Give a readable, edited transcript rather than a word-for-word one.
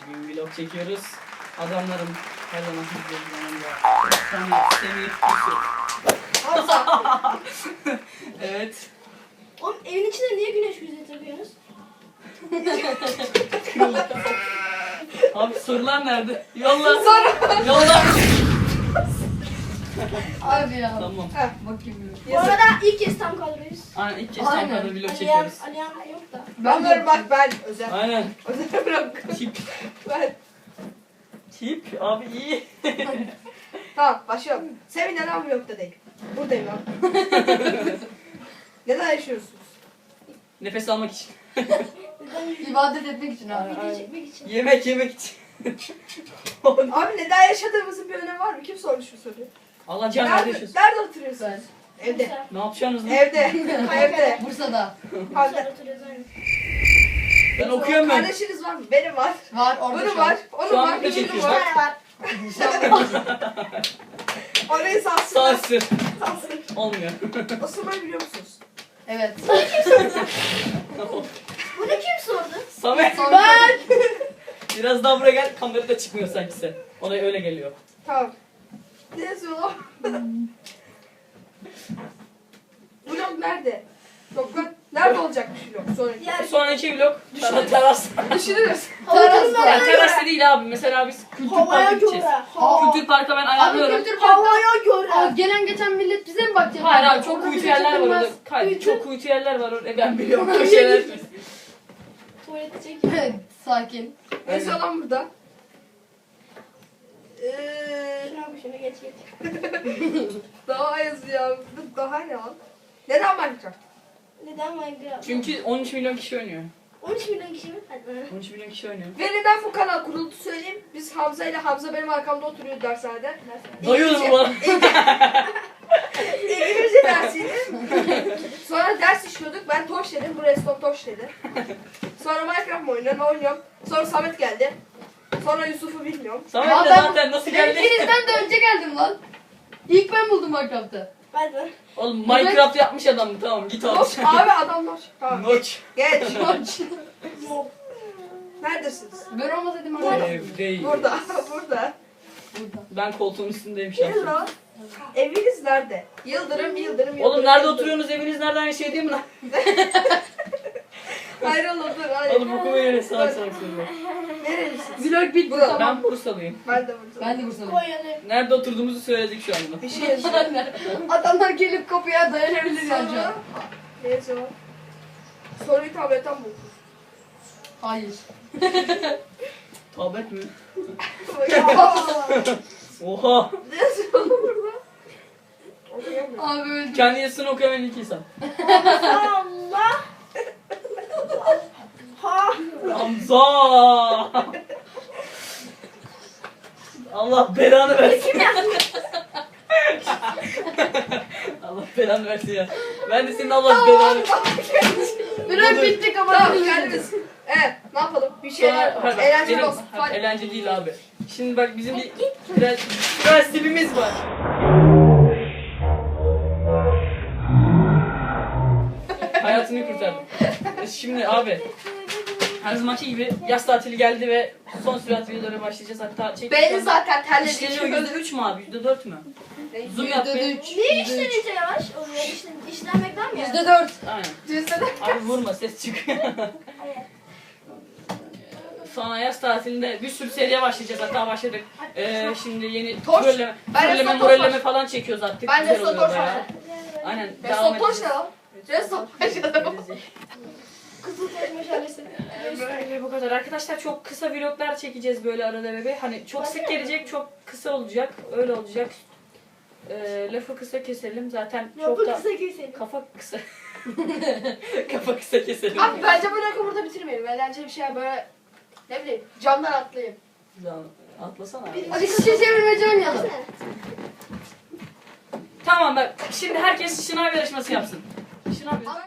Bugün vlog çekiyoruz. Adamlarım her zaman sizlerin yanında. Semih, Hamza. Evet. Oğlum evin içinde niye güneş gözlüğü takıyorsunuz? Abi sorular nerede? Yolla. Yolla. Abi ya. Tamam. Ha. Bakayım. Bu arada ilk kez tam kadroyuz. Aynen ilk kez Aynen. Ankara'da vlog Aliyan, çekiyoruz. Aliyan yok da. Ben varım bak ben özel. Aynen. Özel bırak. Tip. Ben. Tip abi iyi. Tamam başlıyorum. Sevin neden vlogda değil? Buradayım abi. Neden yaşıyorsunuz? Nefes almak için. Neden İbadet etmek için abi. video çekmek için? Yemek için. Abi neden yaşadığımızın bir önemi var mı? Kim sormuş bu soruyu? Allah can nerede Nerede, yaşıyorsun? nerede oturuyorsun? Ben. Evde. Ne yapacaksınız lan? Evde. Evde. Bursa'da. Hadi. Ben okuyorum ben. Kardeşiniz var mı? Benim var. Var orada Bunun şu an. var. Şu Onun an var. video Şunun çekiyoruz. var. Orayı sansın. Sansür. Sansın. Olmuyor. Osman'ı biliyor musunuz? Evet. Bunu kim sordu? Samet. Ben. Biraz daha buraya gel. Kamerada çıkmıyor sanki sen. Ona öyle geliyor. Tamam. Ne yazıyor lan? Vlog nerede? Vlog nerede olacakmış vlog? Sonraki. Sonraki vlog teras. Düşünürüz. Ya teras da değil abi. Mesela biz kültür Havaya parka gideceğiz. göre. Kültür parka ben Abi ayarlıyorum. kültür parkı. Havaya göre. Aa, gelen geçen millet bize mi bakacak? Hayır abi çok Orada kuytu bize yerler var orada. çekilmez. Hayır çok kuytu yerler var orada. Ben biliyorum köşeler. Tuvalete çek. Sakin. Ne yazıyor lan burada? Şuna bak şuna geç geç. Daha yazıyor. Daha ne lan? Neden Minecraft? Neden Minecraft? Çünkü 13 milyon kişi oynuyor. 13 milyon kişi mi? Hadi lan. 13 milyon kişi oynuyor. Ve neden bu kanal kuruldu söyleyeyim. Biz Hamza ile Hamza benim arkamda oturuyordu dershanede. Dayıyoruz mu bana? İngilizce dersiydi. Sonra ders işliyorduk. Ben Toş dedim. Bu Redstone Toş dedi. Sonra Minecraft mı oynuyorum? Oynuyorum. Sonra Samet geldi. Sonra Yusuf'u bilmiyorum. Samet de Adam- zaten nasıl Ben geldi? ikinizden de önce geldim lan. İlk ben buldum Minecraft'ı. Hadi lan. Oğlum Minecraft yapmış adam mı? Tamam git abi. Noç abi adam Noç. Tamam. Noç. Geç. Mob. Neredesiniz? Ben olmasaydım orada. Evdeyim. Burada. Burada. Ben koltuğun üstündeyim Gelin şahsen. lan. Eviniz nerede? Yıldırım. Oğlum nerede oturuyorsunuz? Eviniz nereden şey değil mi lan? Hayır oğlum dur. Hayır. Oğlum oku beni salak salak söylüyor. Nerelisiniz? Vlog bitti Burada. tamam. Ben Bursalıyım. Ben de burada. Ben de Bursa'dayım. Konya'da. Nerede oturduğumuzu söyledik şu anda. Bir şey yazıyor. Adamlar gelip kapıya dayanabilir yani şu Sonra an. ne yazıyor? Soruyu tabletten buldum. Hayır. Tablet mi? Ya. Oha. Ne yazıyor oğlum burada? Okuyamıyorum. Abi öldüm. Kendi yazısını okuyamayan iki insan. Allah. Ha. Hamza. Allah belanı versin. Allah belanı versin ya. Ben de senin Allah belanı. Vlog bitti Tamam kapatalım. geldiniz. Evet ne yapalım? Bir şeyler Sonra- Hayır, bak, eğlenceli benim- olsun. hayır, Hadi. eğlence değil abi. Şimdi bak bizim bir prensibimiz var. Hayatını kurtardım. Şimdi abi her zamanki gibi yaz tatili geldi ve son sürat videolara başlayacağız. Hatta Belli zaten İşleniyor terledik. %3 mü abi? %4 mü? Zoom yap be. %3. Niye işlenince yavaş oluyor? İşlenmekten mi? %4. Aynen. Cüzdanı. Abi vurma ses çıkıyor. Sonra yaz tatilinde bir sürü seriye başlayacağız. Hatta başladık. Şimdi yeni Torç. trolleme, Ben trolleme, Restoran moralleme Torç. falan çekiyoruz artık. Ben Güzel Restoran oluyor Torç bayağı. var. Aynen. Restoran Toş ne lan? Restoran Toş ne lan? Kızıl taş meşalesi. Böyle bu kadar. Arkadaşlar çok kısa vloglar çekeceğiz böyle arada bebe. Hani çok sık gelecek, çok kısa olacak. Öyle olacak. Lafı kısa keselim. Zaten çok Yapı da kısa keselim. kafa kısa. Kafa kısa keselim. Abi bence bu rakı burada bitirmeyelim. Eğlenceli bir şey böyle ne bileyim camdan atlayayım. Atlasana abi. Hadi şişe çevirmece oynayalım. Tamam bak. Şimdi herkes şınav yarışması yapsın. Şınav yarışması.